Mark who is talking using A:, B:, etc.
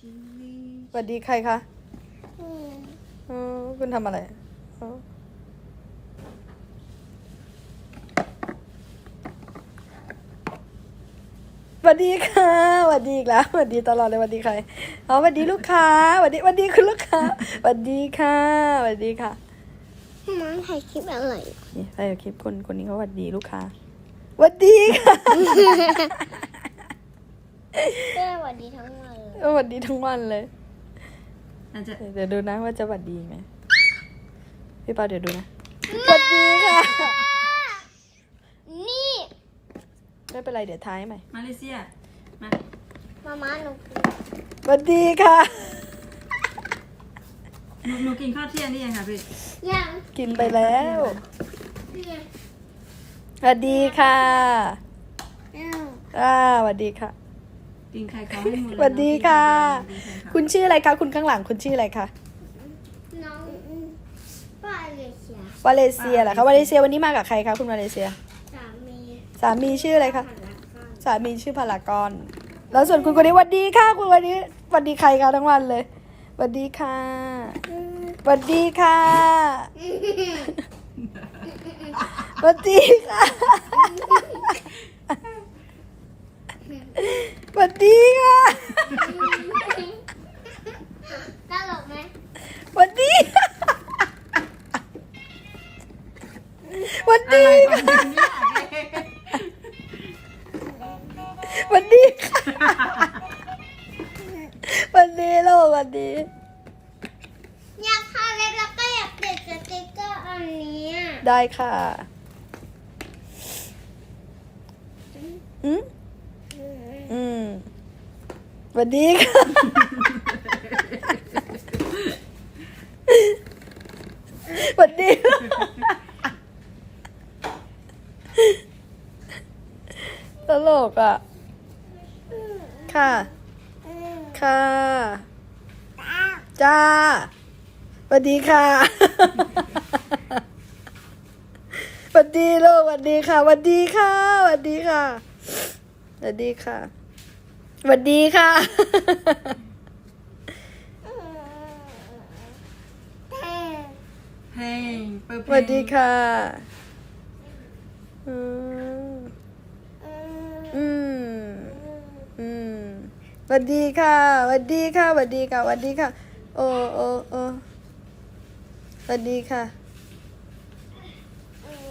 A: สวัสดีใครคะคุณทำอะไรสวัสดีค่ะสวัสดีอีกแล้วสวัสดีตลอดเลยสวัสดีใครสวัสดีลูกค้าสวัสดีคุณลูกค้าสวัสดีค่ะสวัสดีค่ะ
B: น้องถ่ายคลิปอะไร
A: นี่ถ่ายคลิปคนนี้เขาสวัสดีลูกค้าสวัสดีค่ะ
B: เพื่อวันดีทั้งวันเลย
A: สวัสดีทั้งวันเลยเดี๋ยวดูนะว่าจะสวัสดีไหมพี่ปาเดี๋ยวดูนะสวัสดีค่ะ
B: นี่
A: ไม่เป็นไรเดี๋ยวท้ายใหม่
C: มาเลเซียมา
B: มาหนู
A: สวัสดีค่ะ
C: หนูกินข้าวเที่ยงนี่ยังคะพี่
B: ยัง
A: กินไปแล้ว
B: นี่ไง
A: สวัสดีค่ะ
B: อ้าว
A: สวัสดีค่ะ
C: กินไข่เขาให้หมดเลย
A: สวัสดีค่ะ
C: สวัสดีค่ะ
A: คุณชื่ออะไรคะคุณข้างหลังคุณชื่ออะไรคะ
B: น้องป้าเลยเสียว
A: าเลเซียเหรอคะวาเลเซียวันนี้มากับใครคะคุณวาเลเซีย
B: สามี
A: สามีชื่ออะไรคะ
B: ผ่านละก่อน
A: สามีชื่อพารากอนแล้วส่วนคุณคนนี้สวัสดีค่ะคุณวันนี้สวัสดีใครคะทั้งวันเลยสวัสดีค่ะสวัสดีค่ะสวัสดีค่ะสวัสดีค่ะ
B: ตลกไหม
A: สวัสดีสวัสดีค่ะสวัสดีค่ะสวัสดีลูกสวัสดี
B: อยากทาเล็บแล้วก็อยากติดสติ๊กเกอร์อันนี้
A: ได้ค่ะสวัสดีค่ะสวัสดีตลกอ่ะค่ะค่ะจ้าสวัสดีค่ะสวัสดีลูกสวัสดีค่ะสวัสดีค่ะสวัสดีค่ะสวัสดีค่ะสวัสดีค่ะ
C: เฮ้ยเปิดเพ
A: ส
C: ลง
A: วัสดีค่ะสวัสดีค่ะสวัสดีค่ะสวัสดีค่ะสวัสดีค่ะโอ้สวัสดีค่ะ